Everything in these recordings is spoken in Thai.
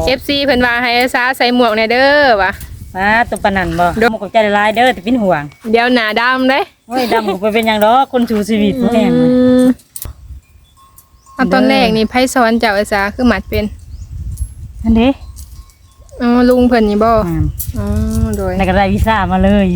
FC เพิ่นว่าให้อาสาใส่หมวกแน่เด้อว่ะมาตัวปานนั้นบ่หมกใจหลายเด้อแต่เป็นห่วงเดี๋ยวหน้าดำเด้โอ้ยดำก็บ่เป็นหยังดอกคนสู่ชีวิตบ่แม่นตอนแรกนี่ไผสอนเจ้าอาสาคือหมัดเป็นอันเด้ลุงเพิ่นนี่บ่โดยแล้วก็ได้วีซ่ามาเลย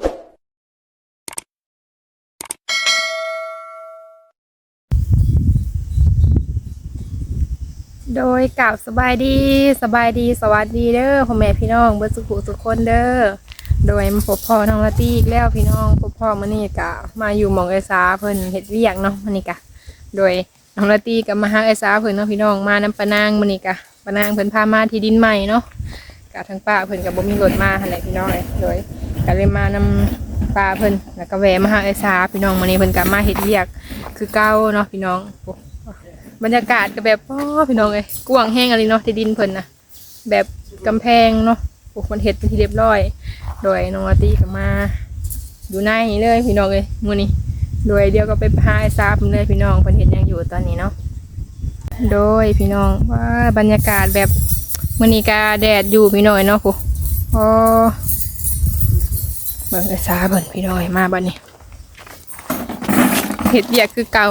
โดยกล่าวสบายดีสวัสดีเด้อพ่อแม่พี่น้องเบิดสุขทุกคนเด้อโดยมาพบพ่อน้องละตี้อีกแล้วพี่น้องพบพ่อมื้อนี้ก็มาอยู่หม่องไอซาเพิ่นเฮ็ดเวียกเนาะมื้อนี้ก็โดยน้องละตี้ก็มาหาไอซาเพิ่นเนาะพี่น้องมานำปะนางมื้อนี้ก็ปะนางเพิ่นพามาที่ดินใหม่เนาะก็ทางป้าเพิ่นก็บ่มีรถมาหั่นแหละพี่น้องโดยก็เลยมานำป้าเพิ่นแล้วก็แวะมาหาไอซาพี่น้องมื้อนี้เพิ่นก็มาเฮ็ดเวียกคือเก่าเนาะพี่น้องบรรยากาศก็แบบพี่น้องเลยกว้างแห้งอะไรเนาะที่ดินเพิ่นนะแบบกำแพงเนาะปลูกมันเห็ดเป็นที่เรียบร้อยโดยน้องอาตีก็มาอยู่ในนี้เลยพี่น้องเลยมื้อนี้โดยเดียวก็ไปหาไอ้ซาบเลยพี่น้องเพิ่นเห็นยังอยู่ตอนนี้เนาะโดยพี่น้องว่าบรรยากาศแบบมื้อนี้ก็แดดอยู่พี่น้องเนาะผู้เบิ่งไอ้ซาเบิ่งพี่น้องมาบัดนี้เห็ดเวียกคือเก่า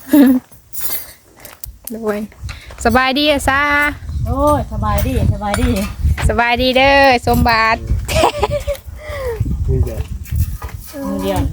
ด้วยสบายดีอะซาโอ้ยสบายดีเด้อสมบัติมือเดียว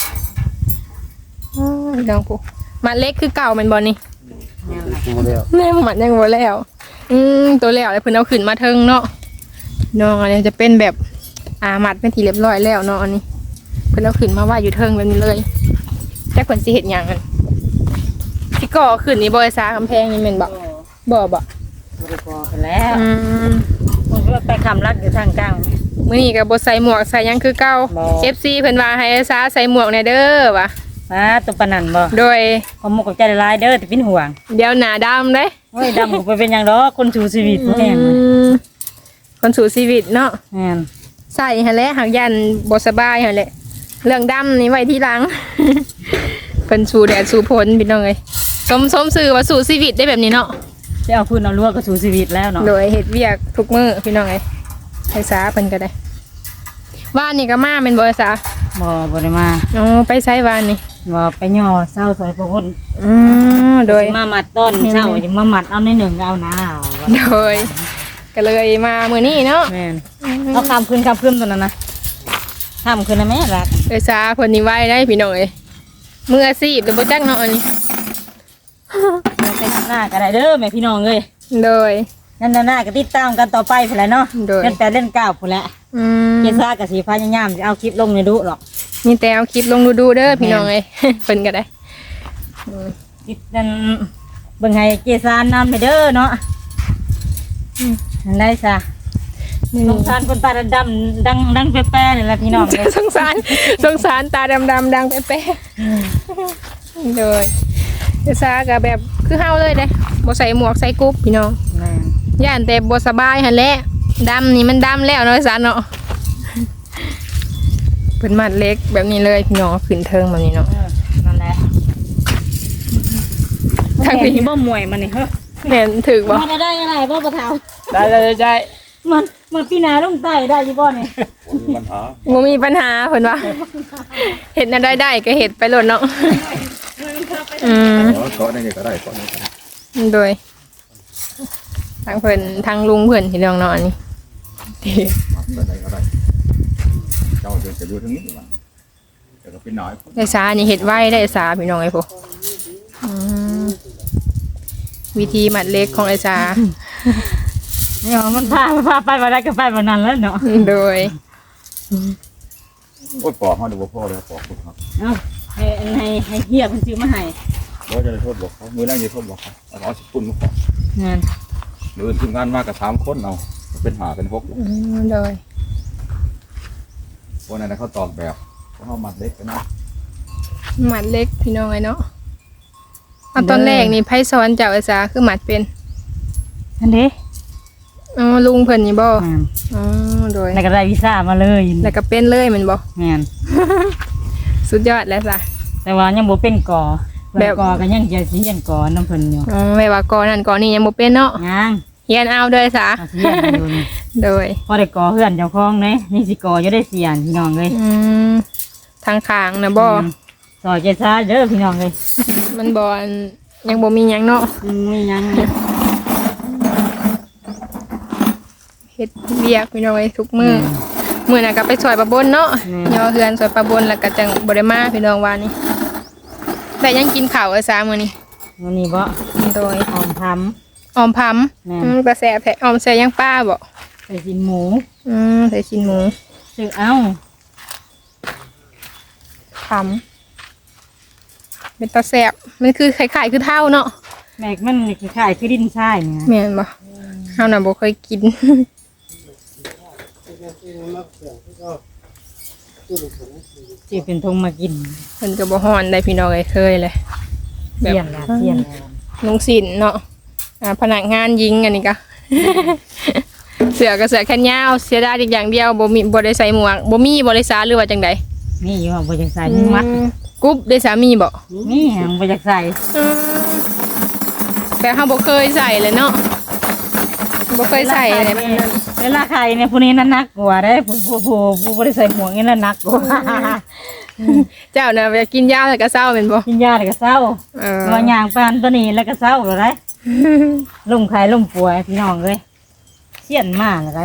น้องผู้มัดเล็กคือเก่ามันบอลนี่แม่มัดยังบ่แล้วตัวแล้วเลยเพิ่นเอาขึ้นมาเทิงเนาะน้องอันนี้จะเป็นแบบมัดเป็นทีเรียบร้อยแล้วเนาะอันนี้เพิ่นเอาขึ้นมาว่าอยู่เทิงแบบนี้เลยแต่เพิ่นสิเฮ็ดหยังกันที่ก่อขึ้นนี่บอยซากำแพงนี่แม่นบ่บ่ก่อแล้วมันก็ไปคำรักอยู่ทางกลางมื้อนี้ก็บ่ใส่หมวกใส่หยังคือเก่า FC เพิ่นว่าให้อาสาใส่หมวกแน่เด้อว่ะมาตัวปานนั้นบ่โดยหมกใจหลายเด้อแต่เป็นห่วงเดี๋ยวหน้าดำเด้โอ้ยดำก็บ่เป็นหยังดอกคนสู่ชีวิตบ่แม่นคนสู่ชีวิตเนาะแม่นใส่หั่นแหละหักยันบ่สบายหั่นแหละเรื่องดำนี่ไว้ทีหลังเพิ่นสู่แดดสู่ฝนพี่น้องเอ้ยสมสื่อว่าสู่ชีวิตได้แบบนี้เนาะจะเอาพื้นเอาลวกก็สู่ชีวิตแล้วเนาะโดยเฮ็ดเวียกทุกมื้อพี่น้องเอ้ยไอ้สาเพิ่นก็ได้ว่านนี่ก็มาเป็นบ่ไอ้สาบ่ได้มาไปไสว่านนี่บ่ไปย่อเช้าซอยพระคนโดยมามัดต้นเช้าจะมามัดเอาในหนึ่งเอาหน้าโดยก็เลยมามื้อนี้เนาะแม่นเอาคำคืนตัวนั้นนะคำคืนนะแม่รักไอ้สาเพิ่นนี่ไว้ได้พี่น้องเอ้ยมืออาชีพแต่บ่จักเนาะอันนี้ไปทำหน้ากันได้เด้อแม่พี่น้องเลยโดยนั่นหน้าก็ติดตามกันต่อไปพุ่นแหละเนาะเล่นเล่นก้าวพุ่นแหละเจซ่ากับสีพายามจะเอาคลิปลงในดูหรอกมีแต่เอาคลิปลงดูเด้อพี่น้องเลยเพิ่นก็ได้ติดนั่นเบิ่งให้เจซ่านำไปเด้อเนาะนั่นได้ซะสงสารคนตาดำดังแป๊ะๆนี่แหละพี่น้องเลยสงสารตาดำดังแป๊ะๆโดยเจซ่าก็แบบคือเฮาเลยเด้บ่ใส่หมวกใส่กุ๊บพี่น้องย่านแต่บ่สบายหั่นแหละดำนี่มันดำแล้วเนาะซะเนาะเป็นมัดเล็กแบบนี้เลยพี่น้องขึ้นเทิงแบบนี้เนาะนั่นแหละทางนี้บ่มวยมันนี่เฮ้ยเห็นถึกบ่มันได้อะไรบ่ปะเทาได้มันพี่นาลงใต้ได้ยี่บ่เนี่ยมีปัญหาเพิ่นว่าเห็ดน่ะได้ก็เห็ดไปโลดเนาะเกาะได้ไงก็ได้เกาะได้โดยทางเพิ่นทางลุงเพิ่นที่น้องเนาะอันนี้ได้ก็ได้เจ้าจะดูทั้งนี้มันแต่ก็เป็นน้อยได้สานี่เห็ดไว้ได้สาพี่น้องไอ้พวกวิธีมัดเล็กของไอ้สาเนี่ยมันพาไปมาได้ก็ไปมานั้นแล้วเนาะโดยโอ้ยปอกเขาดูพ่อเลยปอกคุณครับให้เฮียมันซื้อมาให้เราจะโทษบอกเขามือแรกจะโทษบอกเขาเอาสิบปุ่นมาขอหรือทีมงานมากกับ3 คนเอาเป็น5 เป็น 6 โดยพวกนั้นเขาตอบแบบเขามัดเล็กกันนะมัดเล็กพี่น้องไอ้เนาะตอนแรกนี่ไผสอนเจ้าอาสาคือมัดเป็นอันเด้ลุงเพิ่นนี่บ่โดยแล้วก็ได้วีซ่ามาเลยแล้วก็เป็นเลยแม่นบ่แม่นสุดยอดแล้วจ้ะแต่ว่ายังบ่เป็นก่อแบบก่อก็ยังจะสิเรียนก่อน้ำเพิ่นอยู่ไม่ว่ากอนั่นกอนี่ยังบ่เป็นเนาะยังเฮียนเอาเด้อซะอาเซียนอยู่นี่โดยพอได้ก่อเฮือนเจ้าของเด้นี่สิก่ออยู่ได้เสียนพี่น้องเอ้ยทางข้างนะบ่ซอยเจซ่าเด้อพี่น้องเอ้ยมันบ่อันยังบ่มีหยังเนาะมีหยังเฮ็ดเวียกพี่น้องเอ้ยทุกมื้อน่ะก็ไปซอยปลาบนเนาะย่อเฮือนซอยปลาบนแล้วก็จังบ่ได้มาพี่น้องว่านี่แต่ยังกินข้าวซะมื้อนี้วันนี้บ่โดยหอมพออมพำแม่ก็แซ่บแท้ออมใส่ยังป้าบ่ใส่สินหมูใส่ชิ้นหมูซื้อเอาพำเป็นตาแซ่บมันคือคล้ายๆคือเท่าเนาะแม็กมันคล้ายๆคือดินทรายเนี่ยแม่นบ่เฮาน่ะบ่เคยกินสิเป็นทงมากินเพิ่นก็บ่ฮ้อนได้พี่น้องเอ้ยเคยเลยเสียนละเสียนละลุงศิลป์เนาะพนักงานหญิงอันนี้ก็ เสือก็เสือแขนยาวเสียดายอีกอย่างเดียวบ่ได้ใส่หมวกบ่มีบริษัทหรือว่าจังใดนี่อยู่บ่จักใส่มัดกรุ๊ปได้สามีบ่นี่บ่จักใส่แต่เฮาบ่เคยใส่เลยเนาะบ่เคยใส่เลยมันนั่นเวลาใครเนี่ยผู้นี้นั่นนักกว่าเด้ผู้บ่ได้ใส่หมวกนี่นั่นนักกว่าเจ้าน่ะอยากกินยาวแต่ก็เศร้าแม่นบ่กินยาแล้วก็เศร้า ว่าย่างปานตัวนี้แล้วก็เศร้าแล้วได้ลุ่มไข่ลุ่มป่วยพี่น้องเอ้ยเสียนมากเลยได้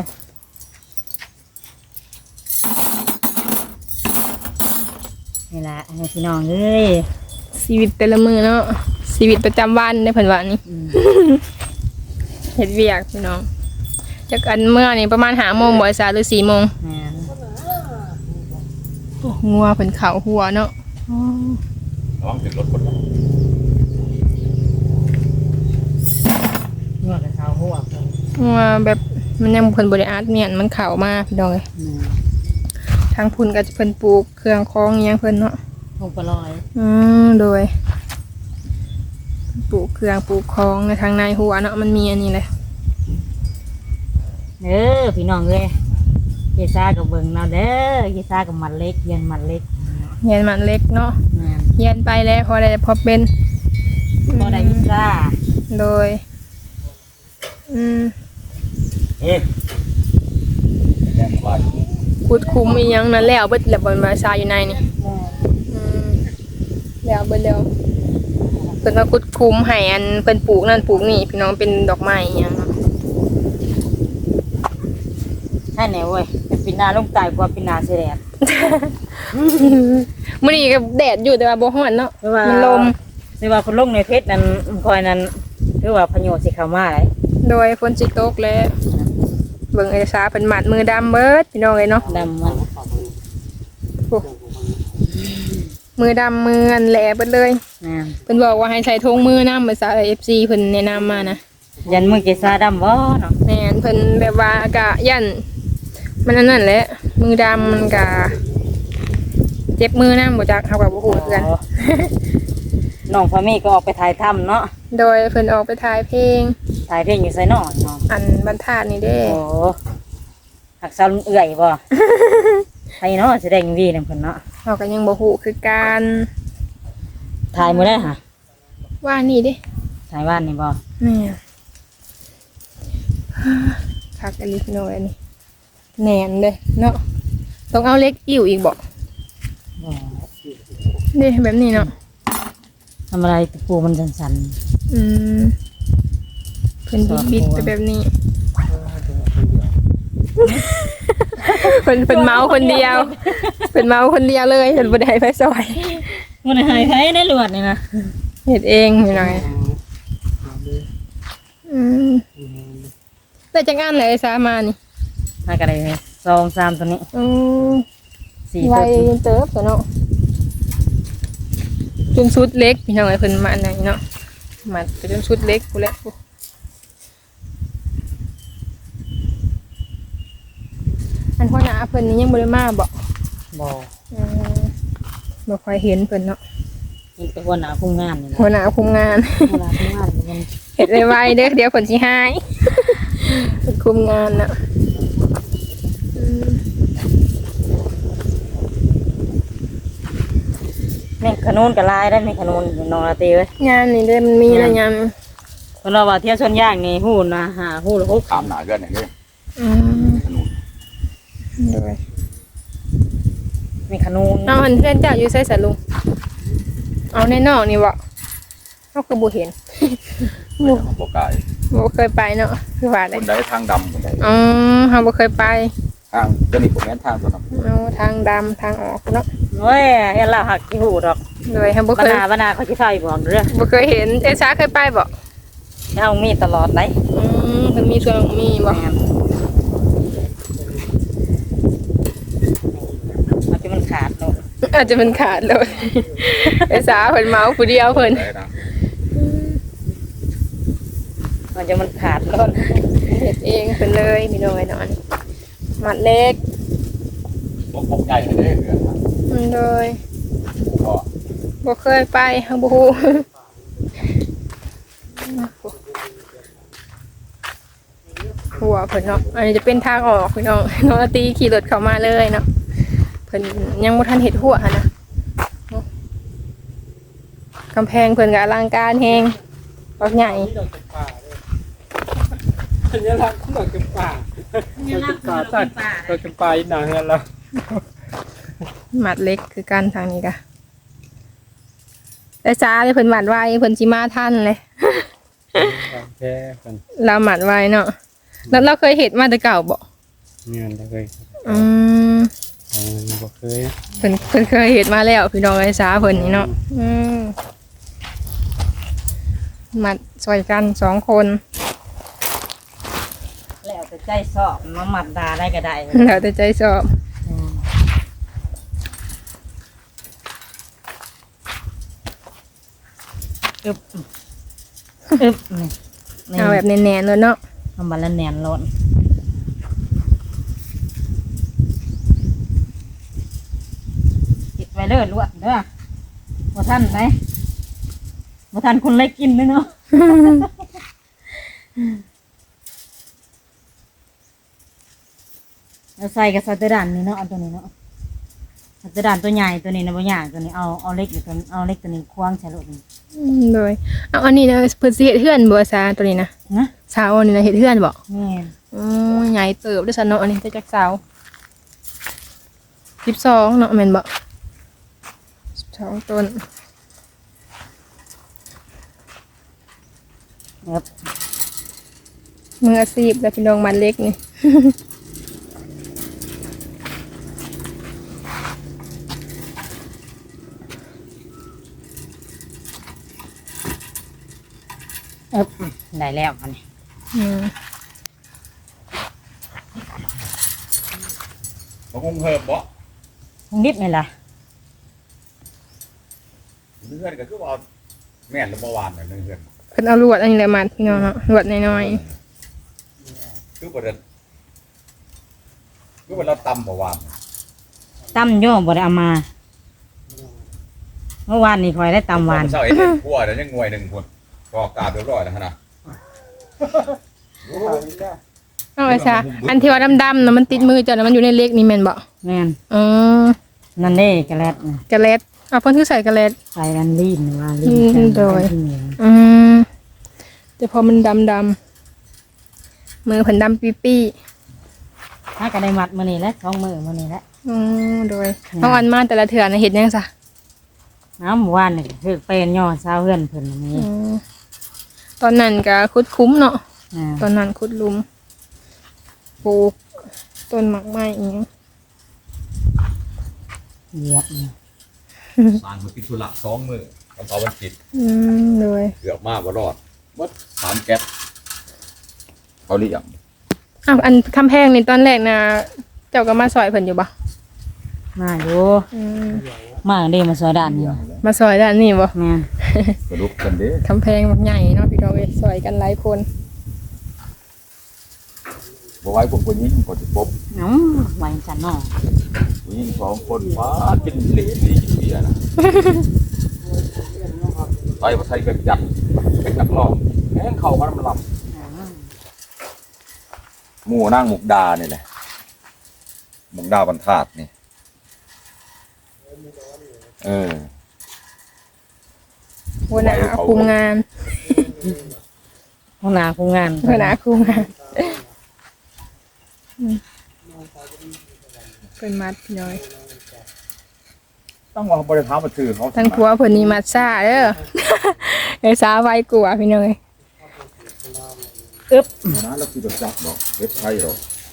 นี่ล่ะให้พี่น้องเอ้ยชีวิตแต่ละมื้อเนาะชีวิตประจำวันในเพิ่นว่านี่ เฮ็ดเวียกพี่น้องจักอันเมื่อนี่ประมาณ5:00 นบ่ซาหรือ4:00 นแม่นโอ้งัวเพิ่นเข้าหัวเนาะระวังถึงรถคนนะนวดกับเท้าหัวเพิ่นงัวแบบมันยังเพิ่นบ่ได้อัดเมียนมันเข้ามาพี่น้องเอ้ยทางพุ่นก็จะเพิ่นปลูกเครื่องคองอิหยังเพิ่นเนาะลงปลอยโดยปลูกเครื่องปลูกคองในทางในหัวเนาะมันมีอันนี้เลยพี่น้องเอ้ยเยซ่ากับเบิ่งเนาะเด้อเยซ่ากับมันเล็กเย็นมันเล็กเฮียนมันเล็กเนาะแม่นเฮียนไปแล้วพอได้พอเป็นบ่ได้วิซ่าโดยแรงไปขุดคุ้มอีหยังนั่นแล้วเบิดแล้วบ่มาซาอยู่ในนี่แล้วเบิดแล้วเพิ่นมาขุดคุ้มให้อันเพิ่นปลูกนั่นปลูกนี่พี่น้องเป็นดอกไม้อีหยังเนาะให้ไหนเว้ยเป็นปีนาลงตายกว่าปีนาเสียแดดมื้อนี้ก็แดดอยู่แต่ว่าบ่ร้อนเนาะมันลมหรือว่าคนลงในเพชรนั้นคอยนั้นคือว่าพะโยชน์สิเข้ามาหลายโดยฝนสิตกแล้วเบิ่งเอกสารเพิ่นมัดมือดำเบิดพี่น้องเอ้ยเนาะดำมันโอ้มือดำมืออันแหลเบิดเลยนะเพิ่นบอกว่าให้ใส่ธงมือนำภาษา FC เพิ่นแนะนำมานะยันมือเกษาดำบ่เนาะแม่นเพิ่นแบบว่ากะยันมันอันนั้นแหละมือดำมันกะเจ็บมือนำบ่จักเฮาก็บ่ฮู้คือกันน้องพามีก็ออกไปถ่ายถ้ำเนาะโดยเพิ่นออกไปถ่ายเพลงถ่ายเพลงอยู่ไสนอนเนาะอันบรรทัดนี่เด้โอ้หักสาวเอื่อยบ่ ใครเนาะแสดงวีนำเพิ่นเนาะเฮาก็ยังบ่ฮู้คือกันถ่ายมื้อได้ฮะว่านี่เด้ถ่ายบ้านนี่บ่แม่คักอันนี้พี่น้อยอันนี้แหนนเด้เนาะต้องเอาเล็กอิ่วอีกบ่บ่เด้แบบนี้เนาะทำอะไรตะปูมันสั่นเพิ่นบิดไปแบบนี้ เพิ่นเมาคนเดียวเพิ่นเมาคนเดียวเลยเพิ่นบ่ได้ไปซอยๆมันหายไปในหลวดนี่นะเฮ็ดเองพี่น้อยแต่จังอันเลยซามานี่มาก็ได้2 3ตัวนี้4 ไวตัวเติบตัวเนาะจนชุดเล็กพี่น้องเพิ่นมาอันไหนเนาะมาไปจนชุดเล็กพู้นแหละอันพ่อหน้าเพิ่นนี่ยังบ่ได้มาบ่บ่บ่ค่อยเห็นเพิ่นเนาะนี่เป็นหัวหน้าคุมงานนี่นะหัวหน้าคุมงานหัวหน้าคุมงานมันเฮ็ดไวๆเด้อเดี๋ยวเพิ่นสิหายเพิ่นคุมงานเนาะแม่ขนุนกับลายได้แม่ขนุนน้องลาตีเว้ยงานนี่เด้อมันมีอะไรงานคพิ่นว่าเที่ยวชนย่างนี่ฮู้นะหาฮู้ละตามหน้าเกินอย่างนี้อืมถนนโดย 6มีขนุนเอาอันเพื่อนเจ้าอยู่ไสสะลุงเอาในนอกนี่บ่เฮาก็บ่เห็นบ่กายบ่เคยไปเนาะคือว่าคได้นใดทางดำคนใดอ๋อเฮาบ่เคยไปทางตัวนี้ผมแม่นทางตัวนั้นเอาทางดำทางออกเนาะโอ้ยเฮ็ดแล้วหักสิฮู้ดอกโดยเฮาบ่บเคยนาเขาสิพาไปบอกเด้อบ่เคยเห็นเอซ่าเคยไปบ่เฮามีตลอดได้เพิ่นมีส่วนมีบ่แม่นอาจจะมันขาดเนาะอาจจะมันขาดเลย เอซ่าเพิ่นเมาผู้เดียวเพิ่นได้นะอาจจะมันขาดเนาะเฮ็ดเองเพิ่นเลยพี่น้อยเนาะมัดเล็กพกใหญ่เลยเดือนนะโดยก็บ่เคยไปเฮาบ่ฮู้ หัวเพิ่นเนาะอันนี้จะเป็นทางออกพี่น้องน้องอาตีขี่รถเข้ามาเลยเนาะเพิ่นยังบ่ทันเฮ็ดหัวหั่นนะเนาะกำแพงเพิ่นก็อลังการแฮงบักใหญ่อันนี้รักเขาบอกกันป่าเราจะป่าตัดเราจะไปหนังกันแล้วหมัดเล็กคือกันทางนี้กะแต่จ้าเลยเพิ่นหมัดไว้เพิ่นสิมาทันเลยแค่คนเราหมัดไว้เนาะแล้วเราเคยเห็นมาแต่เก่าบ่เงินเลยอืมบอกเคยเพิ่นเคยเห็นมาแล้วพี่น้องไอ้สาเพิ่นนี่เนาะหมัดซอยกัน2 คนแล้วแต่ใจชอบมาหมัดดาได้ก็ได้แล้วแต่ใจชอบอึบอึบนี่นี่เอาแบบแน่นๆเลยเนาะทำบัลลันแหนนล้นติดไว้เด้อลวดเด้อบ่ทันไหนบ่ทันคนเล็กกินเลยเนาะ เราใส่กับสัตว์ด่านนี่เนาะเอาตัวนี้เนาะสัตว์ด่านตัวใหญ่ตัวนี้นะบ่ใหญ่ตัวนี้เอาเล็กอยู่ตัวเอาเล็กตัวนี้ควางใส่รถนี่โดยเอาอันนี้นะเพิ่นสิเฮ็ดเฮือนบ่ซาตัวนี้นะนะสาวอันนี้นะเฮ็ดเฮือนบ่แม่นใหญ่เติบด้วยซะเนาะอันนี้แต่จักสาว12เนาะแม่นบ่12ต้นครับมืออาชีพแล้วพี่น้องมันเล็กนี่ได้แล้วอันนี้อืมบ่คงเพิ่มบ่นิดนี่ล่ะเพื่อนก็คือว่าแม่นแล้วเมื่อวานน่ะเพื่อนเพิ่นเอาลวดอันนี้แหละมาพี่น้องเนาะลวดน้อยคือบ่ได้คือว่าเราตำเมื่อวานตำโย่บ่ได้เอามา เมื่อวานนี่คอยได้ตำหวานเช้าเอ็ดกลัวเดี๋ยวยังงวยหนึ่งคนก็กราบเรียบร้อยแล้วนะๆเอาไว้ซะอันที่ว่าดำๆน่ะมันติดมือเจ้าน่ะมันอยู่ในเล็กนี่แม่นบ่แม่นอ๋อนั่นเด้กระแลดน่ะกระเล็ดเอาเพิ่นคือใส่กระเล็ดใส่อันลีนว่าลีนโดย อืมแต่พอมันดำๆมือเพิ่นดำปี้ถ้าก็ได้มัดมื้อนี้แหละ2มื้อมื้อนี้แหละๆโดยเอาอันมาแต่ละเถื่อน่ะเฮ็ดหยังซะน้ำเมื่อวานนี่คือเป็นย่อซาวเฮือนเพิ่นอันนี้ตอนนั้นก็ขุดคุ้มเนาะอ่าตอนนั้นขุดหลุมปลูกต้นหมากไม้อีกเหยียบนี่สารมือติดธุระ2 มื้อวันเสาร์วันอาทิตย์เลยเกือบมากบ่รอดหมด3แก๊สเขาเรียกอ้าวอันคำแพงนี่ตอนแรกนะเจ้าก็มาซอยเพิ่นอยู่บ่มาอยู่มาเด้มาซอยด้านนี้มาซอยด้านนี้บ่แม่นกระดูกกันเด้คำแพงแบบใหญ่เนาะพี่น้องเอ้ยซอยกันหลายคนบ่ไว้พวกผู้หญิงก็สิปบเอ้าไว้จันเนาะผู้หญิง2 คนฟ้ากินเหล็กดีกินเบียร์นะไปบ่ใส่เป็นจัดเป็นนักร้องแม่งเข้ากันมันลำหมู่นางมุกดานี่แหละมุกดาบรรทัดนี่หัวหน้าคุมงานหัวหน้าผู้งานเพื่อนอาคูงานเป็นมัดพี่น้อยต้องเอาบริษัทมาถือเขาทั้งผัวเพิ่นนี่มัดซ่าเด้อ ไอ้สาไว้กลัวพี่น้อยนะแล้วคือแบบจับดอกเว็บไซต์หรอก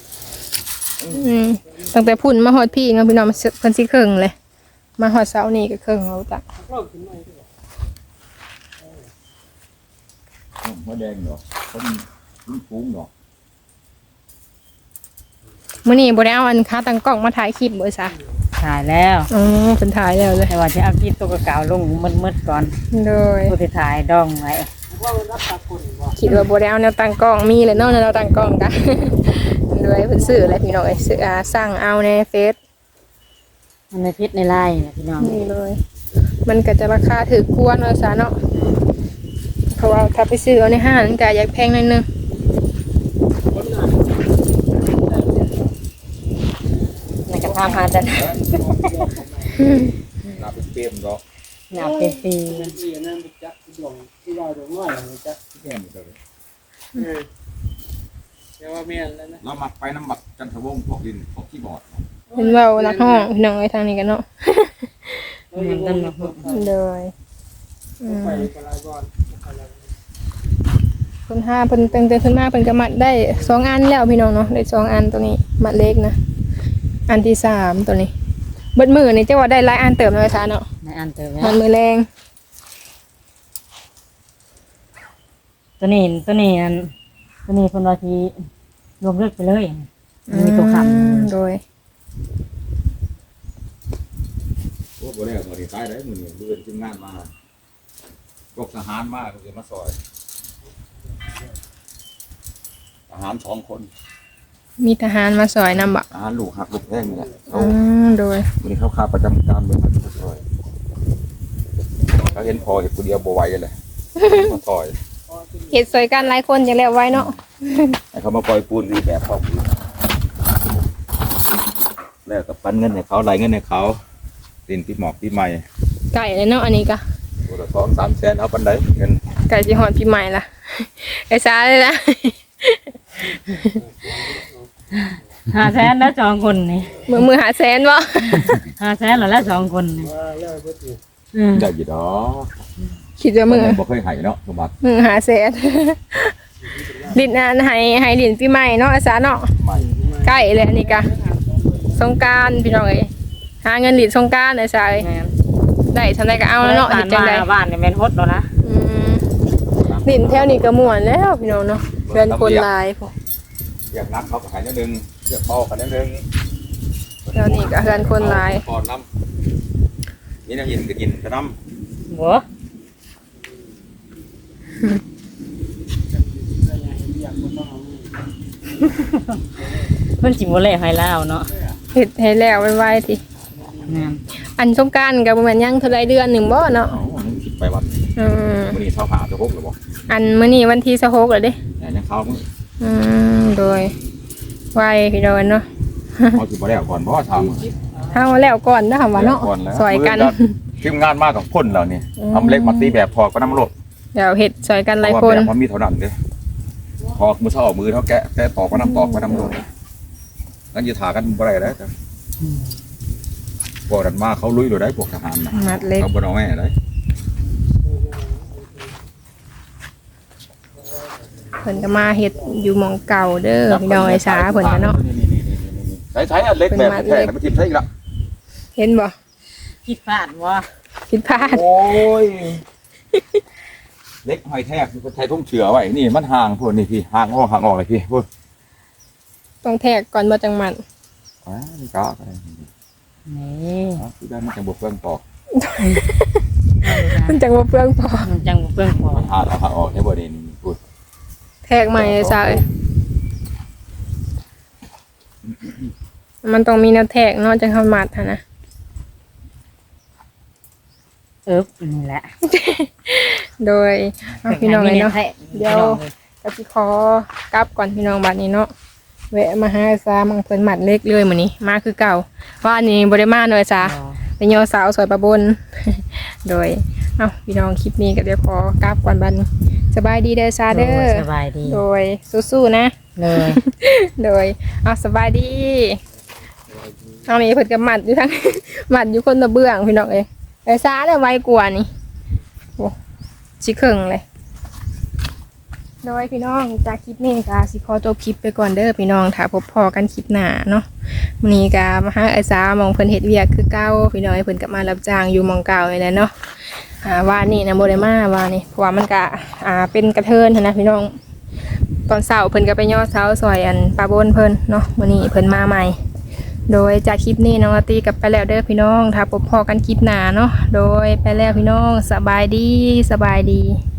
ตั้งแต่พุ่นมาฮอดพี่เนาะพี่น้องเพิ่นสิครึ่งเลย มาฮอดเช้านี้ก็ครึ่งเอาจ้ะหัวแดงดอกคนฟุ้งดอกมื้อนี้บ่ได้เอาอันค้าตั้งกล้องมาถ่ายคลิปบ่ซะถ่ายแล้วอ๋อเพิ่นถ่ายแล้วเลยแต่ว่าจะเอาคลิปตัวเก่าๆลงมืดๆก่อนโดยผู้ที่ถ่ายดองไว้คิดว่าบ่ได้เอาแนวตั้งกล้องมีเลยเนาะแนวตั้งกล้องกะ โดยเพิ่นซื้ออะไรพี่น้องเอ้ยซื้อสั่งเอาในเฟซมันในพิษในไล่นะพี่น้องนี่เลย มันก็จะราคาถูกกว่าเนาะซะเนาะเพราะว่าถ้าไปซื้อเอาในห้างมันก็อยากแพงหน่อยนึงในกระทำหาแต่นาเป็นเปรมดอกหนาเป็นปีที่นั่นไปจับดวงที่ว่าดวงน้อยจับเปรมเลยเดี๋ยวว่าเมียนแล้วนะเรามักไปน้ำบักจันทวงศ์พวกดินพวกขี้บอดเพิ่นเว้านักห้องพี่น้องไอ้ทางนี้กันเนาะมันต้นมะฮุเลยอืมไปกลายก่อนเพิ่น5เพิ่นตั้งแต่เพิ่นมาเพิ่นก็มัดได้2อันแล้วพี่น้องเนาะได้2อันตัวนี้มัดเล็กนะอันที่3ตัวนี้เบิดมื้อนี่จะว่าได้หลายอันเติมเลยซะเนาะในอันเติมมัแล้วนมื้อแรงตัวนี้อันตัวนี้คนว่าที่รวมเลือกไปเลยมีตัวคำโดยพวกบริษัทบริษัทได้มือเดือนทีมงานมาพวกทหารมากเลยมาซอยทหาร2 คนมีทหารมาซอยนำบ่ทหารลูกหักลูกแท่งนี่แหละเขาโดยวันนี้เขาขาประจำการเลยมาซอยเขาเห็นพอเห็นคนเดียวบ่ไหวเลยมาซอยเฮ็ดซอยกันหลายคนจังแล้วไว้เนาะให้เขามาปล่อยปูนรีแบบพร้อมแล้วก็ปันเงินให้เขาไหลเงินให้เขาดินปีหมอกปีใหม่ไก่เลยเนาะอันนี้ก็ตัวละ2-3 แสนเอาปันไดเงินไก่สิฮอดปีใหม่ล่ะ ไอ้ซาเลยล่ะ 500,000แล้ว2คนนี่มือหาแสนบ่ 500,000แล้ว2คนนี่ว่าแล้วเพื่อตีได้อยู่ดอกคิดว่ามือบ่เคยให้เนาะสมบัติมือหาแสน ลิ้นอันให้ลิ้นปีใหม่เนาะไอ้ซาเนาะใหม่ใกล้เลยอันนี้ก็สงกรานต์พี่น้องเอ้ยหาเงินลิ้นสงกรานต์ไอ้ซาเอ้ยแม่นได้ทำได้ก็เอาแล้วเนาะบ้าเฮ็นดจังได๋บ้านนี่แม่นฮดแล้วนะลิ้นแถวนี้ก็ม่วนแล้วพี่น้องเนาะเพื่อนคนหลายพวกอยากนักเขาก็ให้นิดนึงเรียกพ่อกันนิดนึงแถวนี้ก็เพื่อนคนหลายก่อนน้ำนี่น้ำเย็นก็กินกระน้บ่เพิ่นสิบ่แลให้ลาวเนาะเฮ็ดให้แล้วไวๆติแม่นอันสงกรานต์ก็บ่แม่นยังเท่าไรเดือนหนึงบ่เนาะำเอาอันนี้คิดไปวันอืมวันนี้เท่าหาจะพกหรือบ่อันมื้อนี้วันที่26แล้วเด้แต่ยังเขามึงโดยไวพี่น้องเนาะเขาถือบ่ได้ก่อนเพราะว่าทำเฮาแล้วก่อนนะคำว่าเนาะซอยกันทีมงานมากกับพ่นเรานี่ทำเล็กมาตีแบบพอก็น้ำรถเดี๋ยวเฮ็ดซอยกันหลายเพราะคว่าน แบบมันมีเท่านั้นเด้พอมือเท่ามือเท่าแกะตอกก็น้ำตอกก็น้ำรถนั่นจะถากันบ่ได้แล้วพวกนั้นมาเขาลุยเลยได้พวกทหารนะมัดเล็กเขาบ่เอาแม่ได้เพิ่นก็มาเฮ็ดอยู่หม่องเก่าเด้อพี่น้องไอ้สาเพิ่นก็เนาะใช้อันเล็กแบบแท้ๆไม่ทิ่มใช่อีกละเห็นบ่คิดพลาดบ่ผิดพลาดโอ้ยเล็กหอยแทกคือไทยทุ่งเฉือไว้นี่มันห่างพวกนี่พี่ห่างออกเลยพี่พูดต้องแทกก่อนบ่จังมันนี่ก็นี่คือได้มันจะบวกเฟืองตอกมันจังบ่เปลืองพอมันจังบ่เพิ่งพอมันห่างออกในบ่อนี่พูดแทกใหม่ไอ้สาเอ้ยมันต้องมีแนวแทกเนาะจังเข้ามัดหั่นนะนี่แหละโดยเอาพี่น้องเลยเนาะ เดี๋ยวพี่น้องก็สิขอกลับก่อนพี่น้องบัดนี้เนาะแวะมาหาไอ้สามังเพิ่นมัดเล็กเลยมื้อนี้มาคือเก่าว่าอันนี้บ่ได้มาเนาะไอ้สาอ๋อเป็นโยสาวสวยประบน โดยเอาพี่น้องคลิปนี้ก็เดี๋ยวขอกราบก่อนบัดนสบายดีเด้อซาเด้อสบายดีโดยสู้ๆนะเลยโดยเอาสบายดีเอานี่เพิ่นก็หมัดอยู่ทั้ง หมัดอยู่คนละเบื้องพี่น้องเอ้ยไอ้ซาเนี่ยไวกว่านี่โอ้ชิครึ่งเลยโดยพี่น้องจากคลิปนี้ก็สิขอจบคลิปไปก่อนเด้อพี่น้องถ้าพบพอกันคลิปหน้าเนาะมื้อนี้ก็มาหาไอ้ซามองเพิ่นเฮ็ดเวียกคือเก่าพี่น้องเพิ่นก็มารับจ้างอยู่หมองเก่านี่แหละเนาะว่านี่นะบ่ได้มาว่านี่เพราะว่ามันก็เป็นกระเทินหั้นนะพี่น้องตอนเช้าเพิ่นก็ไปย่อเช้าซอยอันปลาบนเพิ่นเนาะมื้อนี้เพิ่นมาใหม่โดยจากคลิปนี้น้องอาตีกลับไปแล้วเด้อพี่น้องถ้าพบพอกันคลิปหน้าเนาะโดยไปแล้วพี่น้องสบายดี